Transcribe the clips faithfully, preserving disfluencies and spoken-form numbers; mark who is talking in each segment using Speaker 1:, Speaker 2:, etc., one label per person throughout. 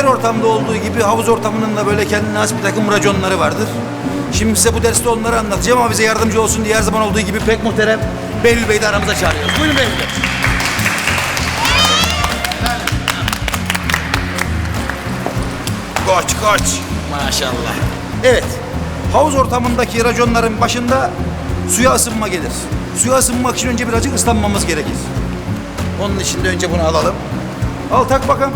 Speaker 1: her ortamda olduğu gibi havuz ortamının da böyle kendine has bir takım raconları vardır. Şimdi size bu derste onları anlatacağım ama bize yardımcı olsun diye her zaman olduğu gibi pek muhterem Behlül Bey'i de aramıza çağırıyoruz. Buyurun Behlül Bey. Koç koç. Maşallah. Evet. Havuz ortamındaki raconların başında suya ısınma gelir. Suya ısınmak için önce birazcık ıslanmamız gerekir. Onun için de önce bunu alalım. Al tak bakalım.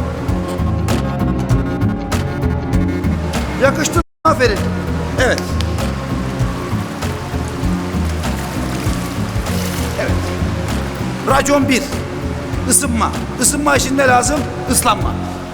Speaker 1: Yakıştı. Aferin. Evet. Evet. Racon bir. Isınma. Isınma için ne lazım? Islanma.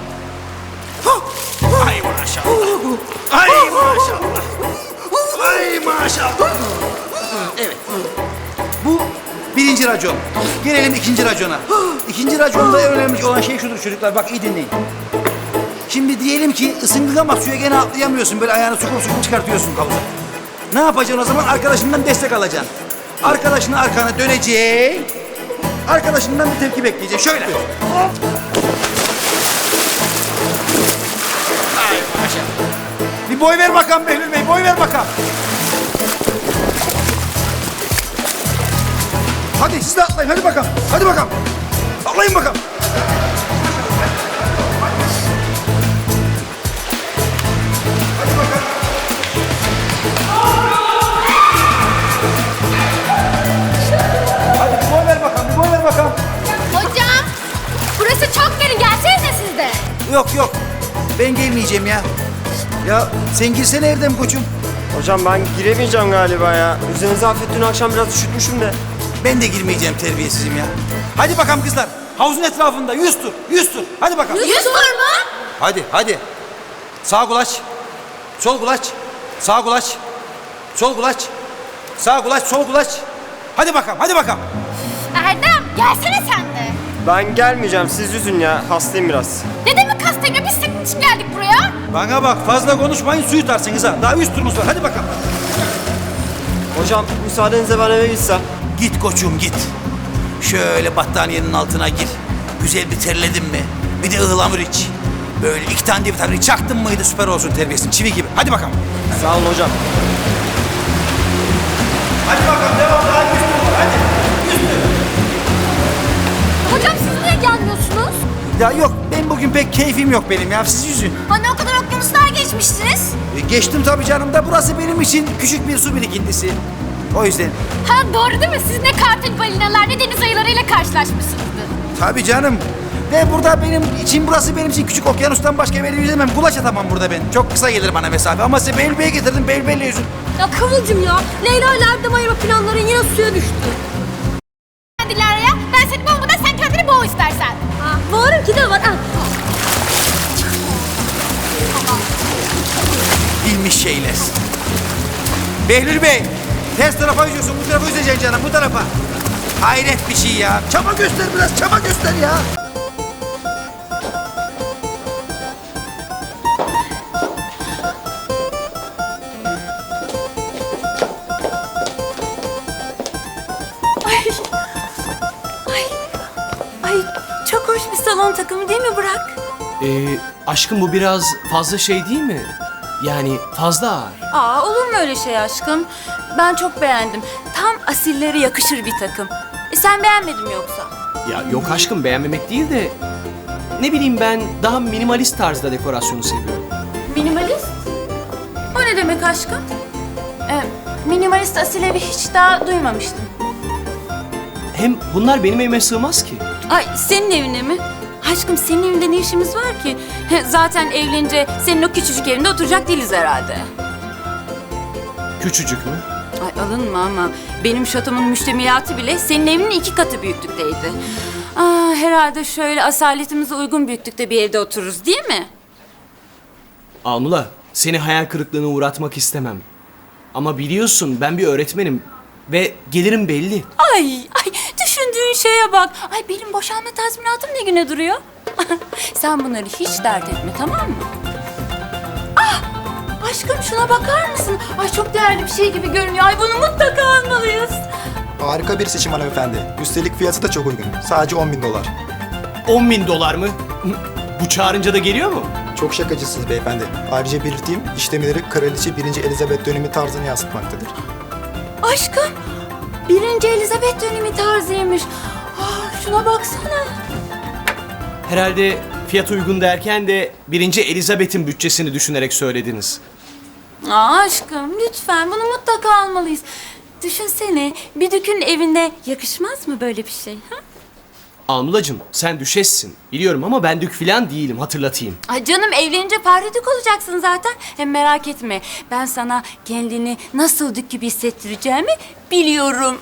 Speaker 1: Ay maşallah. Ay maşallah. Ay maşallah. Evet. Bu birinci racon. Gelelim ikinci racona. İkinci raconda en önemli olan şey şudur çocuklar. Bak iyi dinleyin. Şimdi diyelim ki ısındın ama suya gene atlayamıyorsun. Böyle ayağını sokup sokup çıkartıyorsun havuza. Ne yapacaksın o zaman? Arkadaşından destek alacaksın. Arkadaşına arkana döneceksin. Arkadaşından bir tepki bekleyeceksin. Şöyle. Hop. Ay maşallah. Bir boy ver bakalım Behlül Bey. Boy ver bakalım. Hadi siz de atlayın. Hadi bakalım. Hadi bakalım. Atlayın bakalım.
Speaker 2: Hocam, burası çok derin. Gelsenize siz de.
Speaker 1: Yok yok. Ben gelmeyeceğim ya. Ya sen girsene Erdem koçum.
Speaker 3: Hocam ben giremeyeceğim galiba ya. Üzerinize hafif dün akşam biraz üşütmüşüm de.
Speaker 1: Ben de girmeyeceğim terbiyesizim ya. Hadi bakalım kızlar. Havuzun etrafında yüz tur. Yüz tur. Hadi bakalım.
Speaker 2: Yüz tur mu?
Speaker 1: Hadi hadi. Sağ kulaç. Sol kulaç. Sağ kulaç. Sol kulaç. Sağ kulaç, sol kulaç. Hadi bakalım, hadi bakalım.
Speaker 2: Erdem, gelsene sen de.
Speaker 3: Ben gelmeyeceğim, siz yüzün ya. Hastayım biraz.
Speaker 2: Ne demek hastayım ya? Biz senin için geldik buraya.
Speaker 1: Bana bak, fazla konuşmayın, suyu tutarsınız ha. Daha yüz turumuz var, hadi bakalım.
Speaker 3: Hocam müsaadenizle ben eve gitsem.
Speaker 1: Git koçum git. Şöyle battaniyenin altına gir. Güzel bir terledin mi? Bir de ıhlamur iç. Böyle iki tane de vitamini çaktın mıydı süper olsun terbiyesin. Çivi gibi. Hadi bakalım.
Speaker 3: Sağ olun hocam.
Speaker 1: Hadi bakalım devam. Daha yüz tur var. Hadi. Yüz tur.
Speaker 2: Hocam siz niye gelmiyorsunuz?
Speaker 1: Ya yok ben bugün pek keyfim yok benim ya. Siz yüzün.
Speaker 2: Hani o kadar okyanuslar geçmiştiniz.
Speaker 1: E, geçtim tabii canım da burası benim için küçük bir su birikintisi. O yüzden.
Speaker 2: Ha doğru değil mi? Siz ne kartal balinalar ne deniz ayılarıyla karşılaşmışsınızdır.
Speaker 1: Tabii canım. Ve burada benim için burası benim için küçük okyanustan başka bir yere yüzemem. Kulaç atamam burada ben. Çok kısa gelir bana mesafe. Ama size Behlül Bey'e getirdim. Behlül Bey'le yüzün.
Speaker 2: Ya Kıvılcım ya. Leyla ile Erdem ayırma planların yine suya düştü. Dilara'ya ben seni boğmadan sen kendini boğ istersen. Ha, boğarım ki de var. Ha.
Speaker 1: Bilmiş şeyler. Behlül Bey. Ters tarafa yüzüyorsun. Bu tarafa yüzeceksin canım. Bu tarafa. Hayret bir şey ya. Çaba göster biraz. Çaba göster ya.
Speaker 4: Ay çok hoş bir salon takımı değil mi Burak?
Speaker 5: Ee, aşkım bu biraz fazla şey değil mi? Yani fazla ağır.
Speaker 4: Aa olur mu öyle şey aşkım? Ben çok beğendim. Tam asillere yakışır bir takım. E sen beğenmedin mi yoksa?
Speaker 5: Ya yok aşkım beğenmemek değil de... Ne bileyim ben daha minimalist tarzda dekorasyonu seviyorum.
Speaker 4: Minimalist? O ne demek aşkım? E, minimalist asil evi hiç daha duymamıştım.
Speaker 5: Hem bunlar benim evime sığmaz ki.
Speaker 4: Ay senin evine mi? Aşkım senin evinde ne işimiz var ki? Zaten evlenince senin o küçücük evinde oturacak değiliz herhalde.
Speaker 5: Küçücük mü?
Speaker 4: Ay alınma ama benim şatomun müştemiyatı bile senin evinin iki katı büyüklükteydi. Aa, herhalde şöyle asaletimize uygun büyüklükte bir evde otururuz değil mi?
Speaker 5: Anula, seni hayal kırıklığına uğratmak istemem. Ama biliyorsun ben bir öğretmenim ve gelirim belli.
Speaker 4: Ay, ay düşündüğün şeye bak. Ay benim boşanma tazminatım ne güne duruyor? Sen bunları hiç dert etme tamam mı? Ah, aşkım şuna bakar mısın? Ay çok değerli bir şey gibi görünüyor. Ay bunu mutlaka almalıyız.
Speaker 6: Harika bir seçim hanımefendi. Üstelik fiyatı da çok uygun. Sadece on bin dolar.
Speaker 5: on bin dolar mı? Bu çağırınca da geliyor mu?
Speaker 6: Çok şakacısınız beyefendi. Ayrıca belirteyim, işlemleri Kraliçe birinci. Elizabeth dönemi tarzını yansıtmaktadır.
Speaker 4: Aşkım, birinci Elizabeth dönemi tarzıymış. Ah, şuna baksana.
Speaker 5: Herhalde fiyat uygun derken de birinci Elizabeth'in bütçesini düşünerek söylediniz.
Speaker 4: Aa, aşkım lütfen bunu mutlaka almalıyız. Düşünsene, bir dükün evinde yakışmaz mı böyle bir şey? Ha?
Speaker 5: Alnulacığım sen düşessin. Biliyorum ama ben dük filan değilim, hatırlatayım.
Speaker 4: Ay canım, evlenince pardük olacaksın zaten. Hem merak etme, ben sana kendini nasıl dük gibi hissettireceğimi biliyorum.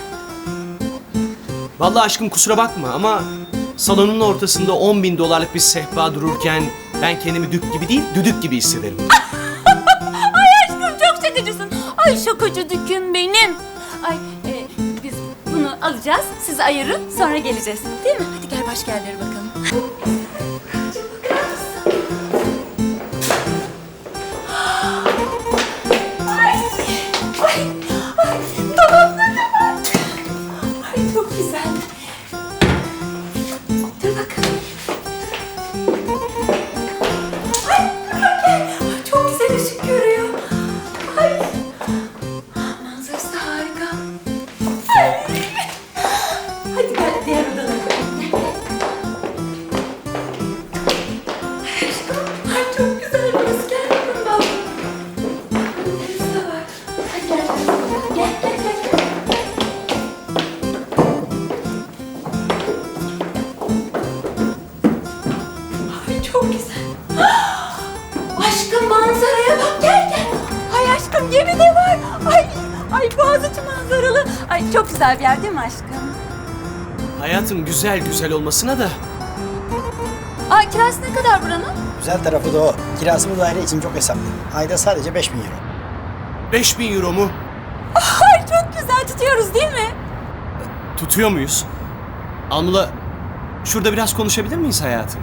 Speaker 5: Vallahi aşkım kusura bakma ama salonun ortasında on bin dolarlık bir sehpa dururken ben kendimi dük gibi değil, düdük gibi hissederim.
Speaker 4: Aşkım çok şakacısın. Ay şakacı düküm benim. Ay e, biz bunu alacağız, siz ayırın, sonra geleceğiz. Değil mi? Hadi gel başka yerlere bakalım. Ay, ay, ay, dolapları da var. Ay çok güzel. Dur bakalım. Ay, ay, çok güzel ışık görüyor. Ay. Manzarası harika. Ay. Hadi gel diğer odana. Ay aşkım, ay çok güzel burası. Gel bakalım bak. Manzarası da var. Hadi gel. Gel, gel, gel. Ay çok güzel. Aşkım manzaraya bak, gel gel. Ay aşkım gemi de var. Ay, ay Boğaziçi manzaralı. Ay çok güzel bir yer değil mi aşkım?
Speaker 5: Hayatım güzel güzel olmasına da
Speaker 4: Ay kirası ne kadar buranın?
Speaker 7: Güzel tarafı da o. Kirası bu daire için çok hesaplı. Ayda sadece beş bin euro.
Speaker 5: beş bin euro mu?
Speaker 4: Ay çok güzel tutuyoruz değil mi?
Speaker 5: Tutuyor muyuz? Alnula, şurada biraz konuşabilir miyiz hayatım?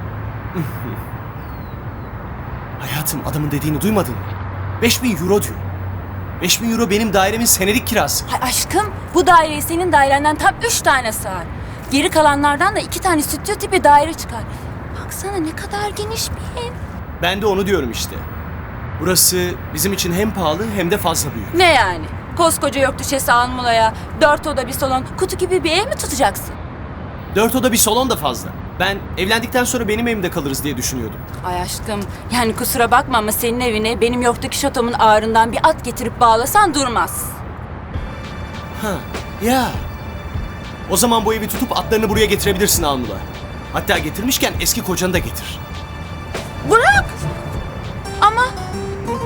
Speaker 5: Hayatım adamın dediğini duymadın mı? beş bin euro diyor. beş bin euro benim dairemin senelik kirası.
Speaker 4: Ay aşkım bu daireyi senin dairenden tam üç tane sığar. Geri kalanlardan da iki tane stüdyo tipi daire çıkar. Baksana ne kadar geniş bir ev.
Speaker 5: Ben de onu diyorum işte. Burası bizim için hem pahalı hem de fazla büyük.
Speaker 4: Ne yani? Koskoca yok düşesi Almula'ya dört oda bir salon kutu gibi bir ev mi tutacaksın?
Speaker 5: Dört oda bir salon da fazla. Ben evlendikten sonra benim evimde kalırız diye düşünüyordum.
Speaker 4: Ay aşkım yani kusura bakma ama senin evine benim yoktaki şatomun ağrından bir at getirip bağlasan durmaz.
Speaker 5: Ha, ya. O zaman bu evi tutup atlarını buraya getirebilirsin Alnula. Hatta getirmişken eski kocanı da getir.
Speaker 4: Bırak! Ama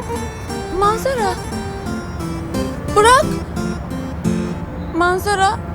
Speaker 4: manzara. Bırak! Manzara